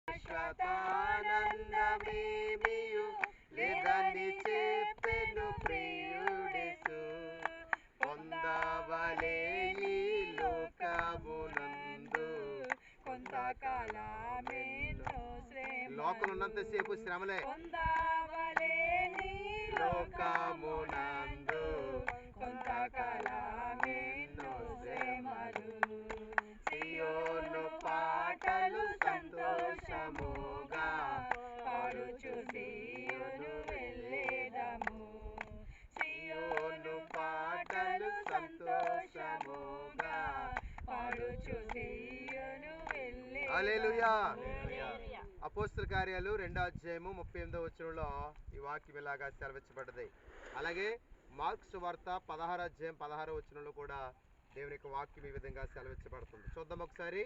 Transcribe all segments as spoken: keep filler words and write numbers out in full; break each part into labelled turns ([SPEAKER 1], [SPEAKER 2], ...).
[SPEAKER 1] శాశ్వతానందమేమియు లేదని చెప్పెను ప్రియుడేసు. పొందవలే ఈ లోకమునందు కొంతకాలమేనో శ్రమ, లోకంలో ఉన్నంతసేపు శ్రమలే. పొందవలే ఈ లోకమునందు కొంతకాలమేనో శ్రమలు. సియోను పాటలు సంతోషముగా పాడుచు సియోను వెళ్ళేదము. సియోను పాటలు సంతోషముగా పాడుచు సియోను వెళ్ళేదము. హల్లెలూయా. అపోస్తల కార్యాలు రెండో అధ్యాయము ముప్పై ఎనిమిదో వచనంలో ఈ వాక్యం ఇలాగా సెలవించబడ్డది. అలాగే మార్కు సువార్త పదహారు అధ్యాయం పదహారో వచనంలో కూడా దేవుని యొక్క వాక్యం ఈ విధంగా సెలవించబడుతుంది. చూద్దాం ఒకసారి.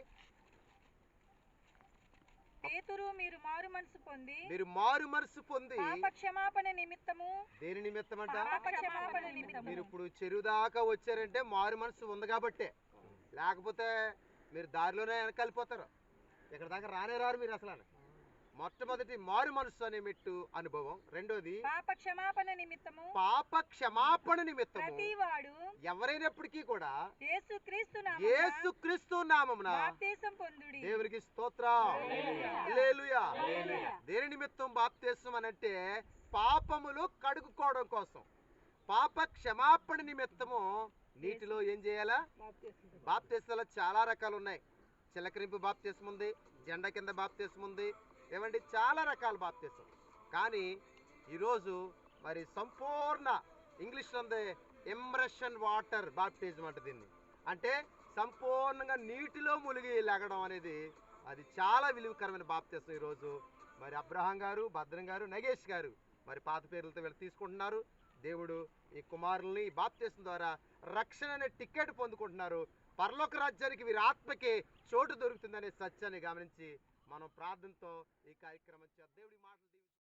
[SPEAKER 2] పేతురు, మీరు మారు మనసు పొంది
[SPEAKER 1] మీరు మారు మనసు పొంది
[SPEAKER 2] పాప క్షమాపణ నిమిత్తము.
[SPEAKER 1] దేని నిమిత్తం అంట?
[SPEAKER 2] పాప క్షమాపణ నిమిత్తము.
[SPEAKER 1] మీరు ఇప్పుడు చెరువు దాకా వచ్చారంటే మారు మనసు ఉంది కాబట్టే, లేకపోతే మీరు దారిలోనే వెనకాలిపోతారు, ఇక్కడ దాకా రానే రారు మీరు అసలు. మొట్టమొదటి మారు మనసు అనే మెట్టు అనుభవం. రెండోది
[SPEAKER 2] పాప క్షమాపణ నిమిత్తము.
[SPEAKER 1] పాప క్షమాపణ నిమిత్తము
[SPEAKER 2] ప్రతివాడు
[SPEAKER 1] ఎవరైనప్పటికీ కూడా
[SPEAKER 2] యేసుక్రీస్తు నామమున
[SPEAKER 1] యేసుక్రీస్తు నామమున
[SPEAKER 2] బాప్తిసం పొందుడి.
[SPEAKER 1] దేవునికి స్తోత్రం. హల్లెలూయా. దేని నిమిత్తం బాప్తిసం అనంటే పాపములు కడుగుకోవడం కోసం. పాప క్షమాపణ నిమిత్తము నీటిలో ఏం చేయాలా? బాప్తిసాలు చాలా రకాలు ఉన్నాయి. చిలకరింపు బాప్తిసం ఉంది, జెండా కింద బాప్తిసం ఉంది, ఏమండి చాలా రకాల బాప్తిసం. కానీ ఈరోజు మరి సంపూర్ణ ఇంగ్లీష్లో ఉంది ఇమ్రెషన్ వాటర్ బాప్టిజం అంటే. దీన్ని అంటే సంపూర్ణంగా నీటిలో మునిగి లెగడం అనేది అది చాలా విలువకరమైన బాప్తిసం. ఈరోజు మరి అబ్రహాం గారు, భద్రం గారు, నగేష్ గారు మరి పాత పేర్లతో వీళ్ళు తీసుకుంటున్నారు. దేవుడు ఈ కుమారుల్ని ఈ బాప్తిసం ద్వారా రక్షణ అనే టికెట్ పొందుకుంటున్నారు. పరలోక రాజ్యానికి వీరి ఆత్మకి చోటు దొరుకుతుందనే సత్యాన్ని గమనించి మనం ప్రార్థనతో ఈ కార్యక్రమం దేవుడి మాటలు